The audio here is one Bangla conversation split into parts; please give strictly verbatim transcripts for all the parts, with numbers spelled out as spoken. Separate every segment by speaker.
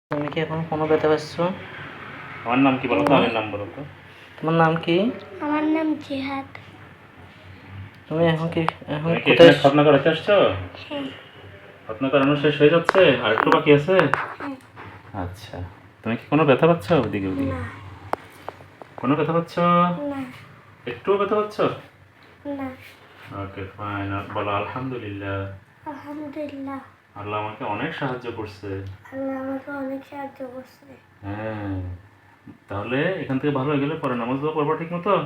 Speaker 1: তুমি কি এখন কোনো ব্যথা পাচ্ছ?
Speaker 2: আমার নাম কি বলো তো? আমার নাম বলো তো।
Speaker 1: তোমার নাম কি?
Speaker 3: আমার নাম জিহাদ।
Speaker 1: তুমি এখন কি এখন
Speaker 2: তুমি কি
Speaker 1: কোথায়?
Speaker 2: এখানে খতনা করাতে আসছো?
Speaker 3: হ্যাঁ।
Speaker 2: খতনা করানো শেষ হয়ে যাচ্ছে, আর একটু বাকি আছে?
Speaker 3: হ্যাঁ।
Speaker 2: আচ্ছা, তুমি কি কোনো ব্যথা পাচ্ছ ওদিকে ওদিকে?
Speaker 3: না।
Speaker 2: কোনো ব্যথা পাচ্ছ?
Speaker 3: না।
Speaker 2: একটুও ব্যথা পাচ্ছ?
Speaker 3: না।
Speaker 2: ওকে ফাইন, বলো আলহামদুলিল্লাহ।
Speaker 3: আলহামদুলিল্লাহ।
Speaker 2: আল্লাহ আমাকে অনেক সাহায্য করছে।
Speaker 3: আল্লাহ আমাকে অনেক সাহায্য করছে।
Speaker 2: হ্যাঁ, তাহলে এখান থেকে ভালো হয়ে গেলে পরে নামাজ দোয়া পড়বা ঠিক মতো?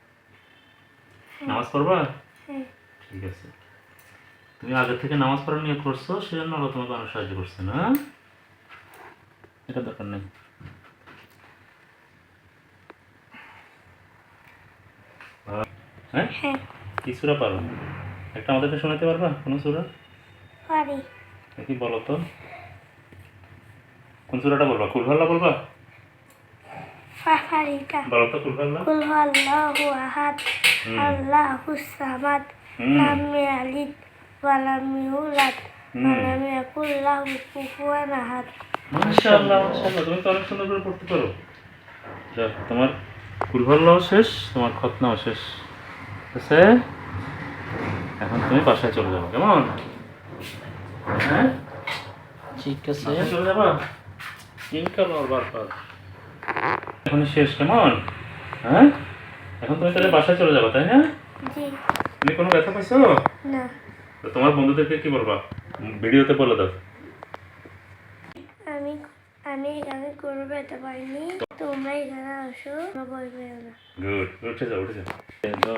Speaker 2: নামাজ পড়বা?
Speaker 3: হ্যাঁ।
Speaker 2: ঠিক আছে, তুমি আগে থেকে নামাজ পড়ার নিয়ত করছো, সেজন্য আল্লাহ তোমাকে অনেক সাহায্য করছে না? এটা দরকার নেই। হ্যাঁ,
Speaker 3: হ্যাঁ।
Speaker 2: কি সূরা পারো? একটা আমাদেরকে শোনাতে পারবা কোনো সূরা?
Speaker 3: পারি।
Speaker 2: দেখি বলো তো, কোন সূরাটা বলবা? কুল আল্লাহ বলবা?
Speaker 3: পারিটা।
Speaker 2: বলো তো কুল আল্লাহ।
Speaker 3: কুল আল্লাহু আহাদ আল্লাহুস সামাদ লাম ইয়ালিদ ওয়া লাম ইউলাদ ওয়া লাম ইয়াকুল লাহু কুফুয়ান আহাদ।
Speaker 2: মাশাআল্লাহ মাশাআল্লাহ, তুমি তো অনেক সুন্দর করে পড়তে পারো। যাক, তোমার কুল আল্লাহ শেষ, তোমার খতনাও শেষ। ঠিক আছে, এখন তুমি বাসায় চলে যাবো, কেমন? হ্যাঁ,
Speaker 1: ঠিক আছে।
Speaker 2: বাসায় চলে যাবা? ইনশাআল্লাহ বারবার। এখন শেষ, কেমন? হ্যাঁ, এখন তুমি তাহলে বাসায় চলে যাবা, তাই না?
Speaker 3: জি।
Speaker 2: তুমি কোনো ব্যথা পাইছো?
Speaker 3: না।
Speaker 2: তো তোমার বন্ধুদেরকে কি বলবা? ভিডিওতে বলে দাও।
Speaker 3: আমি আমি এখানে কোনো ব্যথা পাইনি, তোমরা এখানে আসো, ভয় পেও না।
Speaker 2: গুড, উঠে যাও উঠে যাও যাও,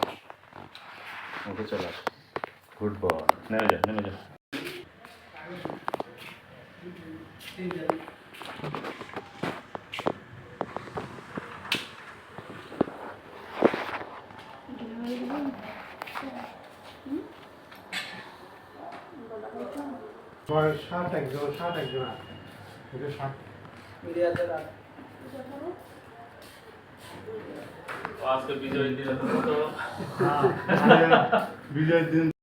Speaker 2: উঠে চলে আসো। গুড বয়, নেমে যাও নেমে যাও।
Speaker 4: ষাট একজন ষাট একজন আছে ষাট
Speaker 2: আজকে বিজয় দিন তো
Speaker 4: বিজয়ের দিন